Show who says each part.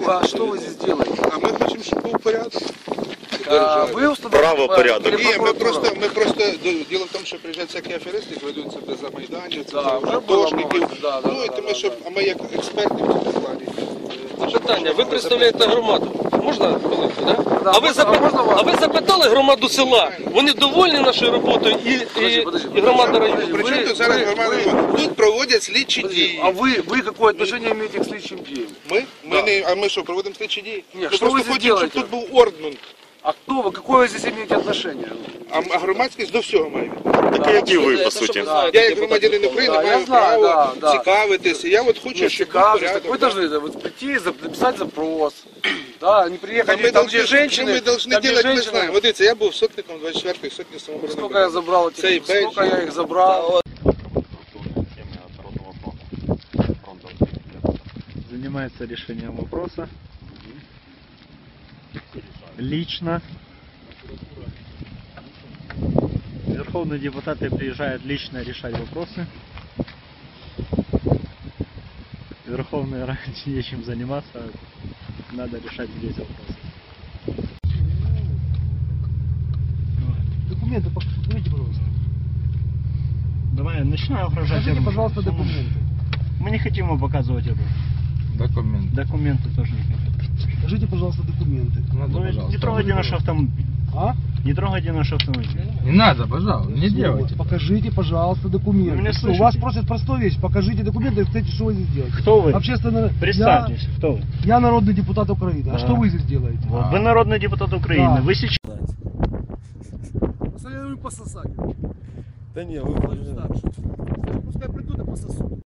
Speaker 1: а что вы здесь делаете?
Speaker 2: А ми хочемо, щоб був порядок.
Speaker 1: Вы установили
Speaker 3: Правопорядок.
Speaker 2: Ні, ми просто, діло в тому, що приїжджають всякі аферисти, ведуть себе за майданів,
Speaker 1: Да, вже
Speaker 2: художників.
Speaker 1: було,
Speaker 2: Ну, і тому, щоб, а ми як експерти в цьому плані.
Speaker 4: Питання, ви представляєте громаду. Можна хвилинку, да?
Speaker 1: Да,
Speaker 4: А ви запитали громаду села? Вони довольні нашою роботою і громада району?
Speaker 2: Причому тут зараз громада? Тут проводять слідчі дії.
Speaker 1: А вы какое отношение имеете к слідчим діям?
Speaker 2: А ми що, проводимо слідчі дії?
Speaker 1: Ні,
Speaker 2: Ми
Speaker 1: що
Speaker 2: просто
Speaker 1: ви здесь
Speaker 2: хочемо, щоб
Speaker 1: делаете?
Speaker 2: тут був орднунг.
Speaker 1: А кто вы? Какое вы здесь имеете отношение?
Speaker 2: А громадськість до всього має.
Speaker 3: Так як і ви, по суті.
Speaker 2: Я як громадянин України
Speaker 1: Да, я
Speaker 2: маю
Speaker 1: знаю,
Speaker 2: право
Speaker 1: да.
Speaker 2: цікавитися. Я от хочу, щоб був порядок.
Speaker 1: Вы должны вот прийти, написать запрос. Да, не
Speaker 2: А
Speaker 1: приехать
Speaker 2: ми
Speaker 1: там, где
Speaker 2: должны,
Speaker 1: женщины.
Speaker 2: ми должны
Speaker 1: там, где
Speaker 2: делать, ми
Speaker 1: женщины.
Speaker 2: знаємо. Вот дивіться, я був сотником 24-ї сотні самооборони.
Speaker 1: Сколько я забрал этих,
Speaker 2: Цей
Speaker 1: сколько
Speaker 2: бейдж.
Speaker 1: я их забрал.
Speaker 5: Занимается решением вопроса лично. Верховные депутаты приезжают лично решать вопросы. Верховной Раде нечем заниматься, надо решать здесь вопросы.
Speaker 6: Документы покажите, пожалуйста.
Speaker 5: Давай, начинаю угрожать.
Speaker 6: Покажите, пожалуйста, документы.
Speaker 5: Мы не хотим его показывать оружие. Документы тоже не хотим.
Speaker 6: Покажите, пожалуйста, документы.
Speaker 5: Ну, не трогайте наш автомобиль.
Speaker 6: А?
Speaker 5: Не трогайте наш автомобиль.
Speaker 7: Не надо, пожалуйста, не
Speaker 6: Вот,
Speaker 7: делайте.
Speaker 6: покажите, пожалуйста,
Speaker 5: Вы
Speaker 6: документы.
Speaker 5: меня
Speaker 6: Всё,
Speaker 5: слышите?
Speaker 6: вас просят простую вещь. Покажите документы, и кстати, что вы здесь делаете?
Speaker 5: Кто вы?
Speaker 6: Общественно...
Speaker 5: Представьтесь, кто вы?
Speaker 6: Я народный депутат Украины.
Speaker 5: Да.
Speaker 6: А что вы здесь делаете?
Speaker 5: Вот, вы народный депутат Украины.
Speaker 6: Да.
Speaker 5: Вы сейчас...
Speaker 6: Пососать.
Speaker 1: Да не, вы...
Speaker 6: Пускай придут и пососут.